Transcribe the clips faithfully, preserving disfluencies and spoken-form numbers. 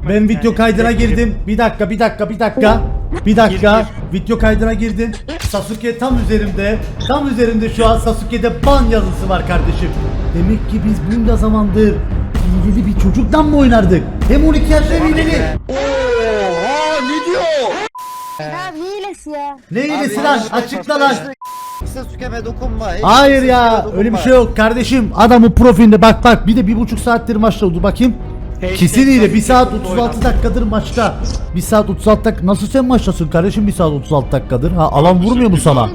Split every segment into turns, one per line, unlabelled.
Ben video kaydına girdim. Bir dakika, bir dakika, bir dakika. Bir dakika. Video kaydına girdim. Sasuke tam üzerimde. Tam üzerimde şu an Sasuke'de ban yazısı var kardeşim. Demek ki biz bunca zamandır hileli bir çocuktan mı oynardık? Hem on iki yaşta hem hileli.
Oha ne diyor?
Ya hilesi ya.
Ne hilesi lan? Açıkla lan.
Sasuke'me dokunma.
Hayır ya, öyle bir şey yok kardeşim. Adamın profilinde bak bak, bir de bir buçuk saattir maçta oldu bakayım. Kesin hile. bir saat otuz altı dakikadır maçta. bir saat otuz altı dakika. Nasıl sen maçtasın kardeşim bir saat otuz altı dakikadır? Ha, alan vurmuyor mu sana?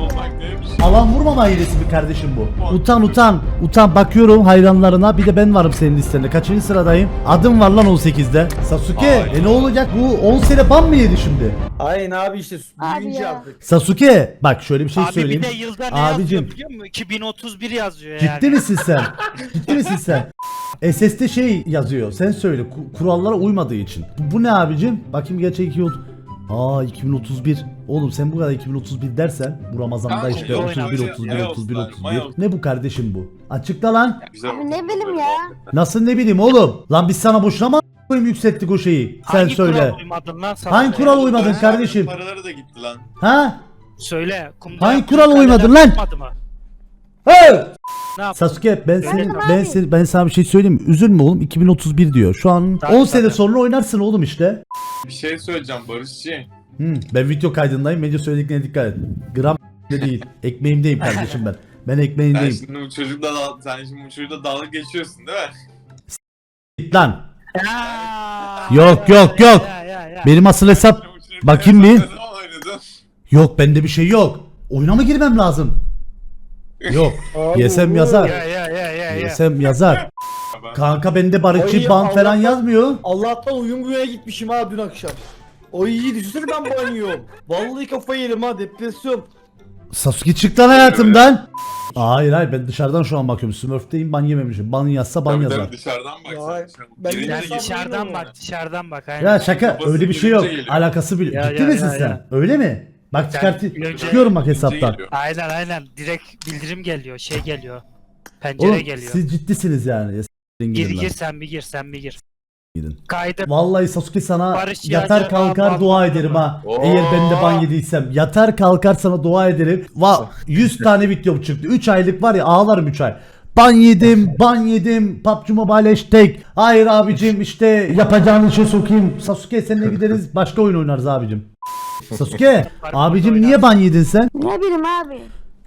Alan vurmama hilesi mi kardeşim bu? Utan utan. Utan, bakıyorum hayranlarına. Bir de ben varım senin listende. Kaçıncı sıradayım? Adım var lan on sekizde. Sasuke. E ne olacak bu? on sene ban mı yedi şimdi?
Aynen abi işte
Abi
büyüyünce
ya.
yaptık.
Sasuke. Bak şöyle bir şey
Abi
söyleyeyim.
bir de yılda ne
Abicim.
yazıyor biliyor musun? iki bin otuz bir yazıyor yani.
Ciddi misin sen? Ciddi misin sen? S S'te şey yazıyor. Sen söyle. ku- Kurallara uymadığı için. Bu, bu ne abicim? Bakayım gerçek iki oldu. Aa iki bin otuz bir. Oğlum sen bu kadar iki bin otuz bir dersen bu Ramazan'da
Kanka,
işte
yok,
otuz bir
yok,
otuz bir
yok,
otuz bir
yok,
otuz bir.
yok.
Ne bu kardeşim bu? Açıkla lan.
Güzel
Abi ne bileyim ya.
Nasıl ne bileyim oğlum? Lan biz sana boşuna mı koyayım yükselttik o şeyi? Sen
Hangi
söyle.
kural uymadın lan sana?
Hangi kural uymadın kardeşim?
Paraları da gitti lan.
Ha?
Söyle. Kumda
Hangi
yaptığın
kurala
kaleler
uymadın lan?
tutmadı mı?
Hey!
Ne yaptın?
Sasuke ben seni
Öyle
ben seni ben sana bir şey söyleyeyim mi? Üzülme oğlum, iki bin otuz bir diyor. Şu an
Tabii,
on sene
tabii.
sonra oynarsın oğlum işte.
Bir şey söyleyeceğim Barışçı.
Hmm, ben video kaydındayım. Medya söylediklerine dikkat et. Gram de değil. Ekmeğimdeyim kardeşim ben. Ben
Sen
ekmeğindeyim.
şimdi bu çocukla dal- sen şimdi bu çocukla dalga geçiyorsun değil mi?
Git lan.
Ya,
Yok,
ya,
yok,
ya,
yok.
ya, ya, ya.
Benim asıl hesap.
Şimdi bu çocukla
Bakayım
en
bir.
son ne zaman oynadın?
Yok, bende bir şey yok. Oyuna mı girmem lazım? Yok.
Abi,
Yesem
olur.
yazar.
Ya ya ya ya ya.
Yesem yazar. Kanka bende barışçı
Ay,
ban falan
Allah'tan-
yazmıyor.
Allah'tan uyum güveye gitmişim ha dün akşam. O iyi düşünsene ben banıyorum. Vallahi kafayı yedim ha, depresyon.
Sasuke çık lan hayatımdan. Hayır hayır, ben dışarıdan şu an bakıyorum. Smurf'teyim, ban yememişim. Ban yazsa ban
Tabii
yazar.
tabii, dışarıdan bak
Ya,
sen.
ben
Girince
Sen
Sen
gir-
dışarıdan
bunu
bak,
mu?
dışarıdan bak. Aynen.
Ya şaka,
Babası
öyle bir şey yok.
girince geliyor.
Alakası bile.
Ya,
Ciddi
ya,
misin
ya,
sen?
ya.
Öyle mi? Bak
Sen
çıkart
önce-
çıkıyorum bak
girince
hesaptan.
geliyor.
Aynen aynen. Direkt bildirim geliyor, şey geliyor. Pencere
Oğlum
geliyor.
siz ciddisiniz yani. Ya, s**tin
Gir
gidin lan.
gir sen bir gir, sen bir gir.
Gidin.
Kaydı.
Vallahi Sasuke sana
Barış
yatar
Yağcı,
kalkar
Aa,
dua
Aa,
ederim ha.
Oo.
Eğer ben de ban yediysem. Yatar kalkar sana dua ederim. Va yüz tane videom çıktı. üç aylık var ya, ağlarım üç ay. Ban yedim, ban yedim. P U B G Mobile hashtag. Hayır abicim, işte yapacağın işe sokayım. Sasuke seninle gideriz, başka oyun oynarız abicim. Sasuke abicim niye ban yedin sen?
Ne bileyim abi.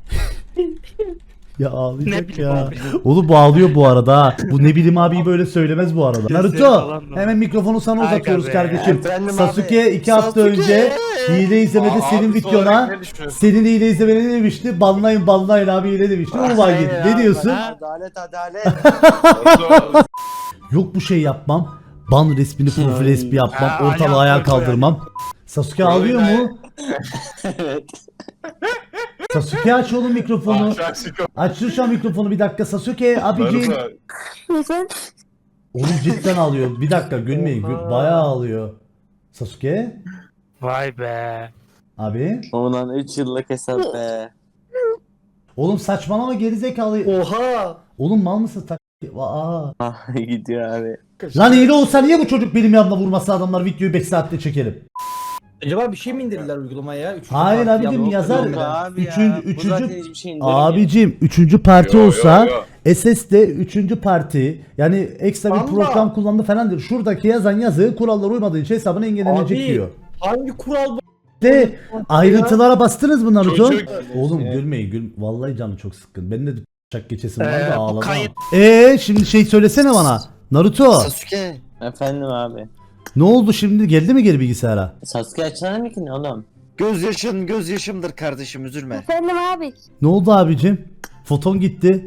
Ya
Ne
ağlayacak
bileyim
ya.
abi.
Oğlum bu ağlıyor bu arada ha. Bu ne bileyim abi böyle söylemez bu arada.
Gözleri
Naruto
falan da.
hemen mikrofonu sana
Aga
uzatıyoruz
be.
kardeşim.
Efendim
Sasuke
abi.
iki hafta
Sasuke.
önce hile izlemede
Aa,
senin
abi,
videona
sonra ne düşünüyorsun?
senin hile izlemeni ne demişti? Banlayın banlayın abi hile demişti. Onu var yedi. Ne diyorsun?
Adalet adalet.
Nasıl-
Yok bu şey yapmam. Ban resmini profil resmi yapmam.
Ha,
Ortalığı
ayağa
ayağa
koy, koy,
kaldırmam. Sasuke ağlıyor mu?
Evet.
Sasuke aç oğlum mikrofonu.
Aşağı çıkıyor.
Aç şu an mikrofonu bir dakika. Sasuke abicim.
Naruto,
Neyse.
Oğlum cidden ağlıyor. Bir dakika gülmeyin. Gül, bayağı ağlıyor. Sasuke
Vay be.
abi.
Ulan üç yıllık hesap be.
Oğlum saçmalama gerizekalı.
Oha.
Oğlum mal mısın? Tak Aa.
Ah gidiyor abi.
Lan hile olsa niye bu çocuk benim yanımda vurmasa, adamlar videoyu beş saatte çekelim.
Acaba bir şey mi indirdiler uygulamaya ya? Üçüncü
Hayır
parti
abicim,
ya,
yazar.
yok ya.
Abi
Üçüncü-
ya.
üçüncü-
Bu zaten hiçbir şey indirmiyor.
Abicim üçüncü parti
Yo, yo,
olsa
yo.
S S'de üçüncü parti, yani ekstra bir
Ama-
program kullandı falan diyor. Şuradaki yazan yazı kurallara uymadığı için hesabına engellenecek
Abi,
diyor.
Hangi kural bu?
De ayrıntılara bastınız mı Naruto?
Çocuk-
Oğlum gülmeyin gül. Vallahi canım çok sıkkın. Benim de çak geçesim var
Ee,
da
bu
ağlamam.
kayıt-
Eee şimdi şey söylesene bana. Naruto
Sasuke. Efendim abi.
ne oldu şimdi, geldi mi geri bilgisayara?
Sasuke açsana mı ki ne oğlum?
Gözyaşın gözyaşımdır kardeşim, üzülme.
Efendim abi.
Ne oldu abicim? Foton gitti.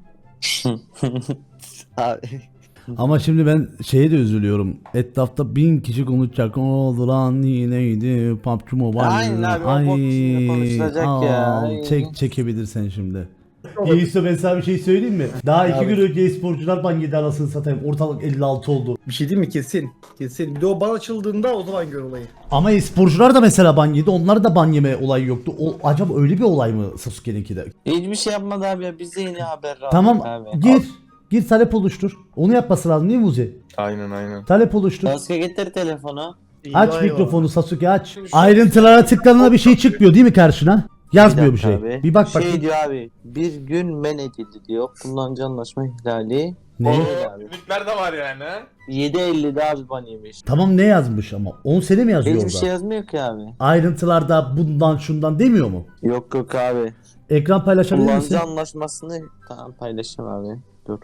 Abi.
Ama şimdi ben şeye de üzülüyorum. Etrafta bin kişi konuşacak. Ne oldu lan, yineydi P U B G Mobile.
Aynen abi, o bok şimdi konuşulacak ya.
al,
Ay.
Çek çekebilirsen şimdi. İyisi ben sana bir şey söyleyeyim mi? Daha iki gün önce e-sporcular ban yedi, anasını satayım. Ortalık elli altı oldu.
Bir şey değil mi? Kesin. Kesin. Bir de o ban açıldığında o zaman gör olayı.
Ama e-sporcular da mesela ban yedi. Onlar da ban yeme olayı yoktu. O, acaba öyle bir olay mı Sasuke'ninki de?
Hiçbir şey yapmadı abi ya. Biz de yeni haber aldık
Tamam
abi.
gir. Gir talep oluştur. Onu yapması lazım değil mi Uzi?
Aynen aynen.
Talep oluştur.
Sasuke getir telefonu.
Aç
Eyvah
mikrofonu Sasuke aç. Ayrıntılara tıkladığında bir şey çıkmıyor değil mi karşına? Yazmıyor bir,
dakika
şey.
abi.
Bir bak
Şey
bakayım.
diyor abi. Bir gün men edildi diyor. Kullanıcı anlaşma ihlali.
Ne?
Öyle abi.
Linkler de var yani ha.
yedi ellide abi ban yemiş.
Tamam ne yazmış ama? on sene mi yazıyor
Hiçbir
orada?
şey yazmıyor ki abi.
Ayrıntılarda bundan şundan demiyor mu?
Yok yok abi.
Ekran paylaşabilir misin?
Kullanıcı anlaşmasını tamam paylaşayım abi. Dur.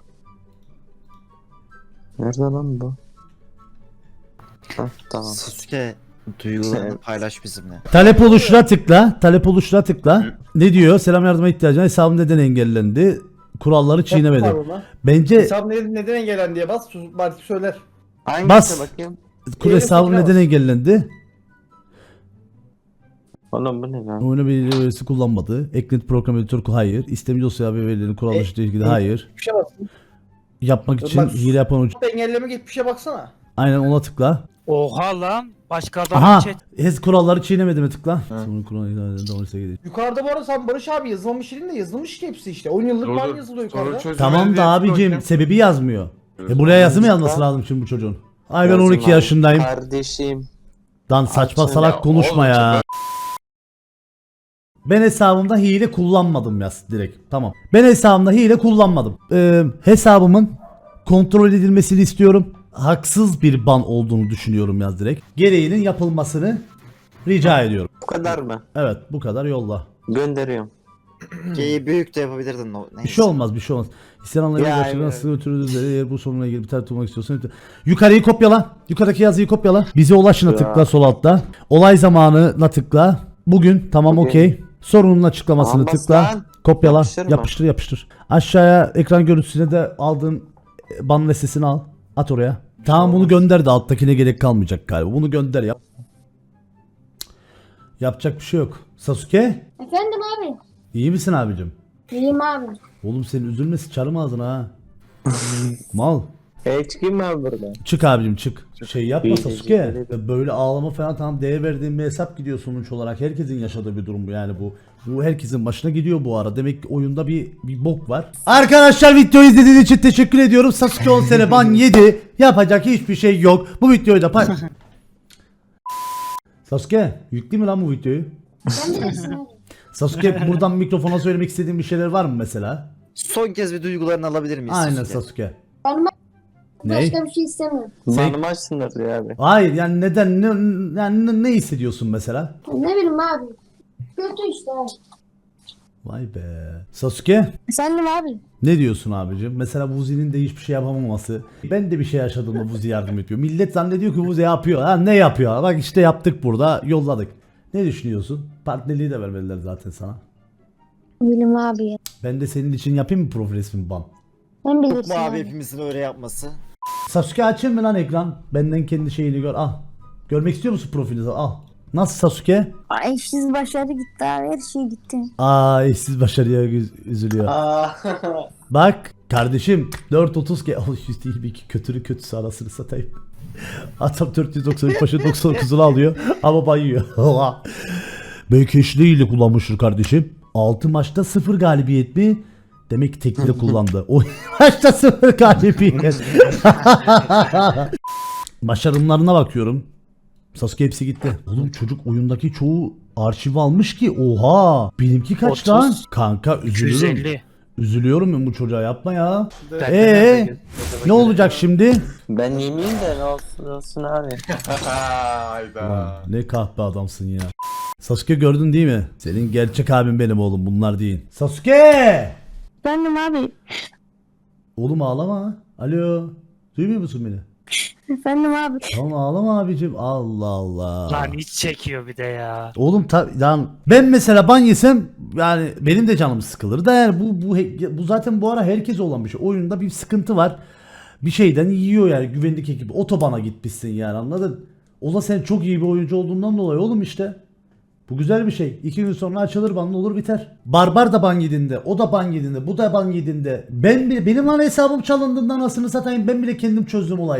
Nerede lan bu? Hah tamam.
Sasuke duygularını paylaş bizimle.
Talep oluştura tıkla. Talep oluştura tıkla. Ne diyor? Selam yardıma ihtiyacın. Hesabım neden engellendi? Kuralları çiğnemedi. Bence
Hesap neden, neden engellendi diye bas. sus- Belki söyler.
Hangisine
Bas.
bakayım?
kur
Yeni
hesabım
fikre
neden
bas.
engellendi?
Oğlum bu ne lan?
Oyunu belirli verisi kullanmadı. Eklenti program editörü hayır. İstemci dosya ve verilerini kural
E,
dışı ilgili
e,
hayır.
Bir şey basın.
Yapmak için
Bak-
hile yapan uç.
Engelleme git bir şey baksana.
Aynen ona tıkla.
Oha lan. Başka adam
Aha.
chat.
Hez kuralları çiğnemedi mi tıkla. Sonra kural ihlalinden dolayısıyla gelir.
Yukarıda bu arada sen Barış abi yazılmamış değil de yazılmış ki hepsi işte. on yıllık
Dur,
ban
dur.
yazılıyor
Sonra
yukarıda.
çözüm
Tamam da
medyasına
abicim
bakayım.
sebebi yazmıyor. E buraya yazı mı yazması lazım şimdi bu çocuğun? Ay ben
Yazım
on iki
abi.
yaşındayım.
Kardeşim.
Lan saçma
Açın
salak
ya,
konuşma
oğlum,
ya. Ben hesabımda hile kullanmadım yaz direkt. Tamam. Ben hesabımda hile kullanmadım. Ee, hesabımın kontrol edilmesini istiyorum. Haksız bir ban olduğunu düşünüyorum yaz direkt. Gereğinin yapılmasını rica ediyorum.
Bu kadar mı?
Evet bu kadar yolla.
Gönderiyorum.
G'yi büyük de yapabilirdin. o-
Bir
Neyse.
şey olmaz bir şey olmaz. İsteyen anlayın
Ya,
gerçekten
evet.
nasıl götürürüz üzere eğer bu sorunla ilgili bir tarih tutmak istiyorsan yukarıyı kopyala. Yukarıdaki yazıyı kopyala. Bize ulaşına
Ya.
tıkla sol altta. Olay zamanına tıkla. Bugün tamam
Bugün.
okey. Sorunun açıklamasını
Aman
tıkla.
lan.
Kopyala.
Yapıştır mı?
Yapıştır yapıştır. Aşağıya ekran görüntüsüne de aldığın e, ban listesini al. At oraya. Tamam bunu gönder de alttakine gerek kalmayacak galiba. Bunu gönder yap. Yapacak bir şey yok. Sasuke
Efendim abi.
iyi misin abicim?
İyiyim abi.
Oğlum senin üzülme sıçarım ağzına ha. Mal.
E çıkayım ben buradan.
Çık abicim çık. Şey yapma
İyi,
Sasuke.
teşekkür
Böyle ağlama falan tamam değer verdiğin bir hesap gidiyor sonuç olarak. Herkesin yaşadığı bir durum bu yani bu. Bu herkesin başına gidiyor bu ara. Demek ki oyunda bir bir bok var. Arkadaşlar videoyu izlediğiniz için teşekkür ediyorum. Sasuke on sene ban yedi. Yapacak hiçbir şey yok. Bu videoyu da pay... Sasuke yüklü mü lan bu videoyu?
Sen bilirsin abi.
Sasuke buradan mikrofona söylemek istediğin bir şeyler var mı mesela?
Son kez bir duygularını alabilir miyiz?
Aynen
Sasuke?
Sasuke.
Ben
Ne?
başka bir şey istemiyorum.
Sen-
Banımı açsınlar diyor abi.
Hayır yani neden ne, yani ne, ne hissediyorsun mesela?
Ne bileyim abi. Kötü işte abi.
Vay be. Sasuke
Efendim abi.
ne diyorsun abicim? Mesela Vuzi'nin de hiçbir şey yapamaması. Ben de bir şey yaşadığımda Vuzi yardım ediyor. Millet zannediyor ki Vuzi yapıyor. Ha ne yapıyor? Bak işte yaptık burada yolladık. Ne düşünüyorsun? Partnerliği de vermediler zaten sana.
Bilmiyorum abi ya.
Ben de senin için yapayım mı profil resmi ban?
Sen
Yok
bilirsin
mu abi
abi.
hepimizin öyle yapması?
Sasuke açayım mı lan ekran? Benden kendi şeyini gör. Al. Görmek istiyor musun profilinizi? Al. Nasıl Sasuke?
Ay eşsiz başarı gitti abi. Her şey gitti.
Aa eşsiz başarıya üz- üzülüyor.
Aa.
Bak kardeşim dört otuz ke oh, yüz değil bir iki kötürü kötüsü arasını satayım. Adam dört yüz doksan üç başı doksan dokuzunu alıyor ama bayıyor. Belki eşliğiyle kullanmıştır kardeşim. altı maçta sıfır galibiyet mi? Demek ki tekli de kullandı. O maçta sıfır galibiyet. Başarımlarına bakıyorum. Sasuke hepsi gitti. Oğlum çocuk oyundaki çoğu arşiv almış ki oha. Benimki kaç
otuz.
lan? Kanka
iki yüz
üzülürüm.
elli.
Üzülüyorum ben bu çocuğa yapma ya.
Ben-
Eee ne olacak şimdi?
Ben yemeyeyim de ne olsun olsun abi.
Hayda.
Ulan ne kahpe adamsın ya. Sasuke gördün değil mi? Senin gerçek abin benim oğlum bunlar değil. Sasuke!
Efendim abi.
Oğlum ağlama. Alo. Duymuyor musun beni?
Efendim abi.
Tamam ağlama abicim. Allah Allah.
Lan hiç çekiyor bir de ya.
Oğlum ta, lan ben mesela ban yesem yani benim de canım sıkılır da yani bu bu he- bu zaten bu ara herkes olan bir şey. Oyunda bir sıkıntı var. Bir şeyden yiyor yani güvenlik ekibi. Otobana gitmişsin yani anladın? O da sen çok iyi bir oyuncu olduğundan dolayı oğlum işte. Bu güzel bir şey. İki gün sonra açılır banlı olur biter. Barbar da ban yediğinde, o da ban yediğinde, bu da ban yediğinde. Ben bile, benim lan hesabım çalındığında anasını satayım ben bile kendim çözdüm olayı.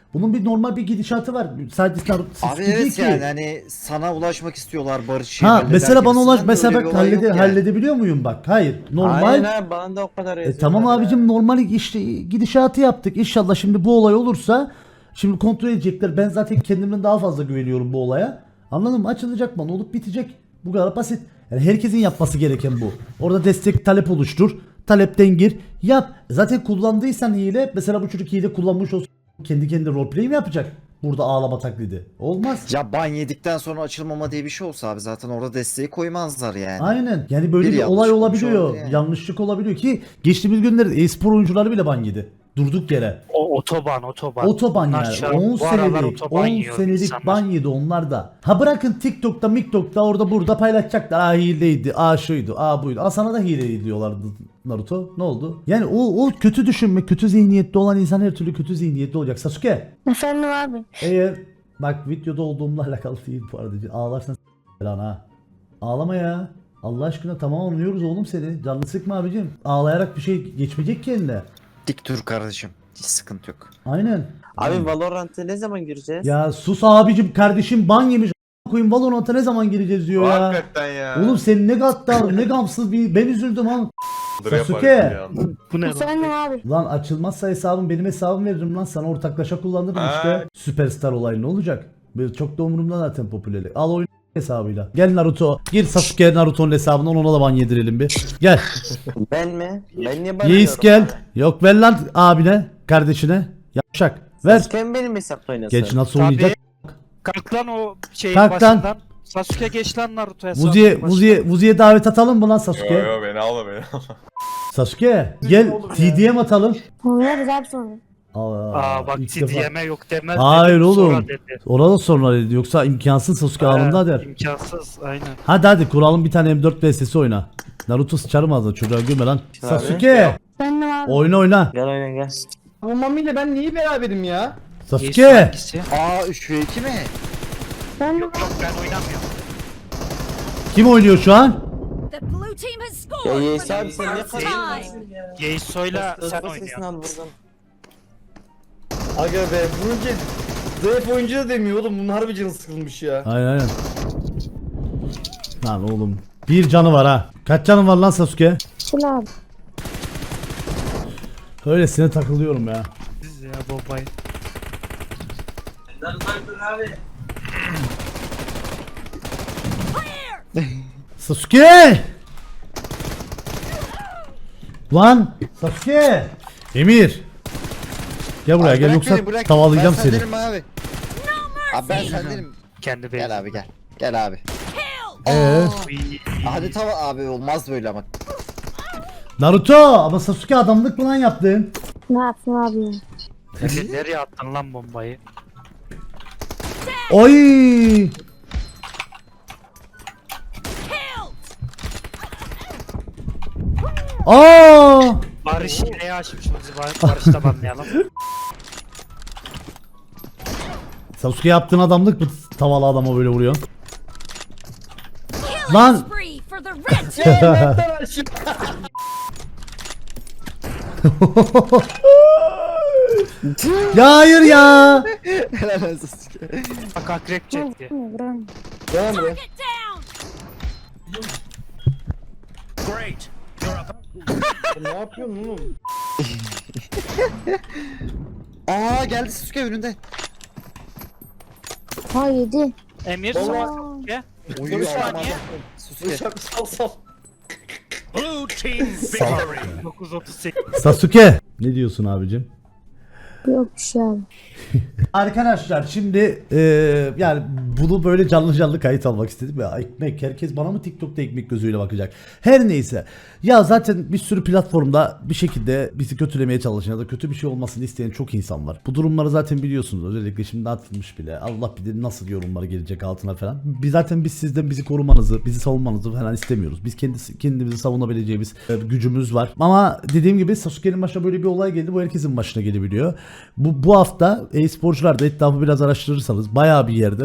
Bunun bir normal bir gidişatı var. Sadece Naruto
Abi
Sasuke değil
evet
ki.
yani hani sana ulaşmak istiyorlar barışı.
Ha
halleder
mesela bana ulaş
gibisinden de
mesela
öyle bir
bak
olay yok
hallede,
yani.
halledebiliyor muyum bak? Hayır. Normal.
Aynen abi bana da o kadar
E,
yazıyorlar
tamam
ya.
abicim normal işte gidişatı yaptık. İnşallah şimdi bu olay olursa şimdi kontrol edecekler. Ben zaten kendimden daha fazla güveniyorum bu olaya. Anladın mı? Açılacak bana olup bitecek. Bu kadar basit. Yani herkesin yapması gereken bu. Orada destek talep oluştur. Talepten gir. Yap. Zaten kullandıysan hile mesela bu çocuk hile kullanmış olsa kendi kendine roleplay mi yapacak? Burada ağlama taklidi. Olmaz.
Ya ban yedikten sonra açılmama diye bir şey olsa abi zaten orada desteği koymazlar yani.
Aynen. Yani böyle
Bir
bir,
yanlış
olay
olmuş
olabiliyor.
olabilir yani.
Yanlışlık olabiliyor ki geçtiğimiz günlerde e-spor oyuncuları bile ban yedi. Durduk yere.
O otoban otoban.
Otoban
Bunlar
yani
şu an
on
bu aralar
senelik
otoban
on
yiyor
senelik
insanlar.
ban yedi onlar da. Ha bırakın TikTok'ta MikTok'ta orada burada paylaşacaklar. Aa hileydi, aa şuydu, aa buydu. Aa sana da hileydi diyorlardı Naruto. Ne oldu? Yani o o kötü düşünme, kötü zihniyette olan insan her türlü kötü zihniyette olacak. Sasuke
Efendim abi.
eğer bak videoda olduğumla alakalı değil bu arada. Ağlarsan s- lan ha. Ağlama ya. Allah aşkına tamam anlıyoruz oğlum seni. Canını sıkma abicim. Ağlayarak bir şey geçmeyecek ki eline.
Dik dur kardeşim. Hiç sıkıntı yok.
Aynen.
Abi Valorant'a ne zaman gireceğiz?
Ya sus abicim kardeşim ban yemiş a- koyayım Valorant'a ne zaman gireceğiz diyor ya.
Hakikaten ya.
Oğlum sen ne gaddar ne gamsız bir ben üzüldüm ha.
Dur
Sasuke.
yaparız bir anda.
Bu ne lan?
Efendim abi.
Lan açılmazsa hesabım benim hesabım veririm lan sana ortaklaşa kullanırım
Ha.
işte. Süperstar olayı ne olacak? Böyle çok da umurumda zaten popülerlik. Al oyun hesabıyla. Gel Naruto. Gir Sasuke Naruto'nun hesabından ona da ban yedirelim bir. Gel.
Ben mi? Ben niye bana
Yeis gel. Yok ver lan abine kardeşine. Yapşak. Ver.
Sasuke mi benim hesapta oynasın?
Geç nasıl
Tabii.
oynayacak?
Kalk lan o şeyin
Kalk lan.
başından. Sasuke geç lan Naruto hesabı.
Vuzi'ye Vuzi'ye Vuzi'ye davet atalım mı lan Sasuke?
Yo yo beni alma beni alma.
Sasuke gel T D M atalım.
Oynarız abi sonra.
Aa,
Aa bak
ilk defa.
T D M'e yok demez.
Hayır
dedim,
oğlum.
sonra dedi.
Orada sonra dedi yoksa imkansız Sasuke alında der.
İmkansız aynen.
Hadi hadi kuralım bir tane M dört V S'si oyna. Naruto sıçarım ağzına çocuğa gülme lan.
Abi.
Sasuke
Efendim abi.
oyna oyna.
Gel oyna gel.
Bu Mami ile ben niye beraberim ya?
Yeis
Sasuke.
hangisi?
Aa üç ve iki mi?
Efendim
Yok yok ben oynamıyorum.
Kim oynuyor şu an?
The blue team has
Ya
scored
Yeis
for
abi
the
sen ne
first
kadar
time.
Yeiso'yla sen
Hızlı sesini
oynuyorsun.
al buradan.
Aga be bununca zayıf oyuncu da demiyor oğlum. Bunun harbi canı sıkılmış ya.
Aynen aynen. Lan oğlum. Bir canı var ha. Kaç canın var lan Sasuke?
Çıl abi.
Öylesine takılıyorum ya.
Siz ya babayı.
Sasuke! Lan Sasuke! Emir! Gel buraya
Abi
gel
bırak
yoksa
beni, bırak.
tavalayacağım
ben
seni.
sendenim abi. Abi ben sendenim.
Kendi
Gel
beyim.
abi gel. Gel abi.
Ee,
Hadi tava abi olmaz böyle ama.
Naruto ama Sasuke adamlık mı lan yaptın?
Ne yapsın abi ya?
Efe, nereye attın lan bombayı?
Oy! Aa!
Barış neye açmış bizi Bar- Barış'ta banlayalım.
Sasuke yaptığın adamlık mı tavalı adama böyle vuruyorsun?
Killing
Lan!
spree for the red team.
Nereden aşık?
Ya hayır ya!
Helal olsun Sasuke.
Bak akrep çekti.
Devam buraya.
Target down.
Ne yapıyorsun oğlum?
Aa geldi Sasuke önünde.
Ha yedi.
Emir
Vallahi-
Sasuke.
Uyuyor
Sasuke.
adam. Sasuke.
Sal sal sal.
dokuz otuz sekiz.
Sasuke! Ne diyorsun abicim?
Yok bir şey abi.
Arkadaşlar şimdi eee, yani bunu böyle canlı canlı kayıt almak istedim ya ekmek herkes bana mı TikTok'ta ekmek gözüyle bakacak her neyse ya zaten bir sürü platformda bir şekilde bizi kötülemeye çalışan ya da kötü bir şey olmasını isteyen çok insan var bu durumları zaten biliyorsunuz özellikle şimdi atılmış bile Allah bilir nasıl yorumlar gelecek altına falan biz zaten biz sizden bizi korumanızı bizi savunmanızı falan istemiyoruz biz kendisi, kendimizi savunabileceğimiz e, gücümüz var ama dediğim gibi Sasuke'nin başına böyle bir olay geldi bu herkesin başına gelebiliyor bu, bu hafta e-sporcular da etrafı biraz araştırırsanız bayağı bir yerde böyle on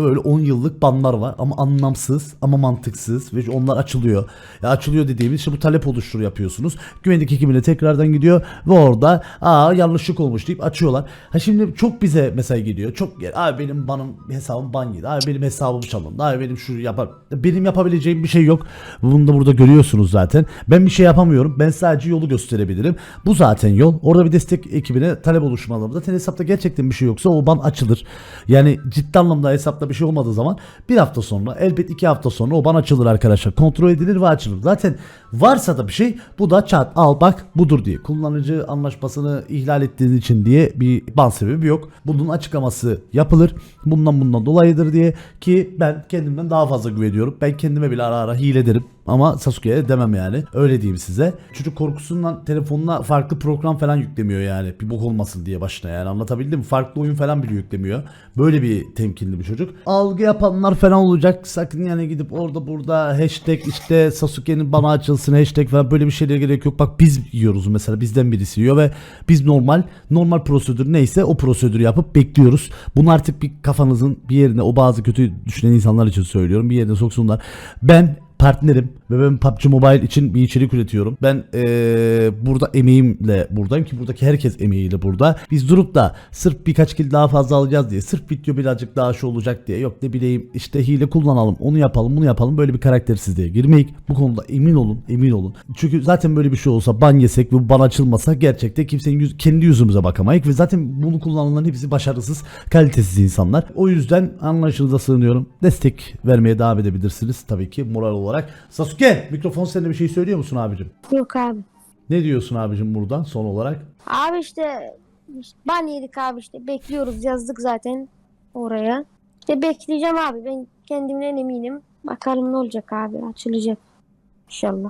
yıllık banlar var ama anlamsız ama mantıksız ve onlar açılıyor. Ya açılıyor dediğimiz işte bu talep oluştur yapıyorsunuz. Güvenlik ekibine tekrardan gidiyor ve orada aa yanlışlık olmuş deyip açıyorlar. Ha şimdi çok bize mesaj geliyor. Çok gel. Abi benim banım hesabım ban yedi. Abi benim hesabım çalındı. Abi benim şu yapar. Benim yapabileceğim bir şey yok. Bunu da burada görüyorsunuz zaten. Ben bir şey yapamıyorum. Ben sadece yolu gösterebilirim. Bu zaten yol. Orada bir destek ekibine talep oluşmalı. Zaten hesapta gerçekten bir şey yoksa o ban açılır. Yani ciddi anlamda hesapta bir şey olmadığı zaman bir hafta sonra elbet iki hafta sonra o ban açılır arkadaşlar. Kontrol edilir ve açılır. Zaten varsa da bir şey bu da çat al bak budur diye. Kullanıcı anlaşmasını ihlal ettiğiniz için diye bir ban sebebi yok. Bunun açıklaması yapılır. Bundan bundan dolayıdır diye ki ben kendimden daha fazla güveniyorum. Ben kendime bile ara ara hile derim. Ama Sasuke'ye demem yani. Öyle diyeyim size. Çocuk korkusundan telefonuna farklı program falan yüklemiyor yani. Bir bok olmasın diye başına yani. Anlatabildim mi? Farklı oyun falan bile yüklemiyor. Böyle bir temkinli bir çocuk. Algı yapanlar falan olacak. Sakın yani gidip orada burada hashtag işte Sasuke'nin bana açılsın hashtag falan böyle bir şeylere gerek yok. Bak biz yiyoruz mesela. Bizden birisi yiyor ve biz normal normal prosedür neyse o prosedürü yapıp bekliyoruz. Bunu artık bir kafanızın bir yerine o bazı kötü düşünen insanlar için söylüyorum. Bir yerine soksunlar. Ben partnerim ve ben P U B G Mobile için bir içerik üretiyorum. Ben ee, burada emeğimle buradayım ki buradaki herkes emeğiyle burada. Biz durup da sırf birkaç kill daha fazla alacağız diye, sırf video birazcık daha şu olacak diye, yok ne bileyim işte hile kullanalım, onu yapalım, bunu yapalım, böyle bir karaktersizliğe girmeyik. Bu konuda emin olun, emin olun. Çünkü zaten böyle bir şey olsa ban yesek ve bu ban açılmasa gerçekten kimsenin yüz, kendi yüzümüze bakamayık ve zaten bunu kullananların hepsi başarısız, kalitesiz insanlar. O yüzden anlayışınıza sığınıyorum. Destek vermeye devam edebilirsiniz tabii ki moral olarak. Sasuke mikrofon seninle bir şey söylüyor musun abicim?
Yok abi.
Ne diyorsun abicim buradan son olarak?
Abi işte, işte ban yedik abi işte. Bekliyoruz yazdık zaten oraya. İşte bekleyeceğim abi. Ben kendimden eminim. Bakalım ne olacak abi. Açılacak. İnşallah.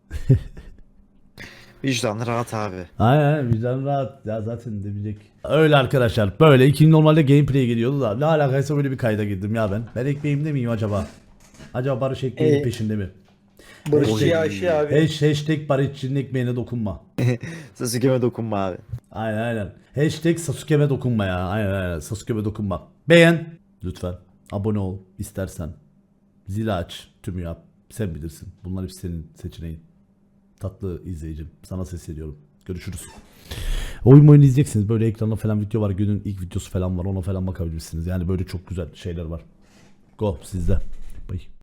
Vicdanı rahat abi.
Aynen vicdan rahat ya zaten demeyecek. Öyle arkadaşlar böyle iki normalde gameplay geliyordu da ne alakaysa böyle bir kayda girdim ya ben. Ben ekmeğimde miyim acaba? Acaba Barış ekmeğinin
Ee,
peşinde mi?
Barışçı ya şey abi.
Hash, hashtag Barışçı'nın ekmeğine dokunma.
Sasuke'me dokunma abi.
Aynen aynen. Hashtag Sasuke'me dokunma ya. Aynen aynen. Sasuke'me dokunma. Beğen. Lütfen. Abone ol istersen. Zili aç. Tümü yap. Sen bilirsin. Bunlar hepsi senin seçeneğin. Tatlı izleyicim. Sana sesleniyorum. Görüşürüz. Oyun oyun izleyeceksiniz. Böyle ekranda falan video var. Günün ilk videosu falan var. Ona falan bakabilirsiniz. Yani böyle çok güzel şeyler var. Go sizde. Bye.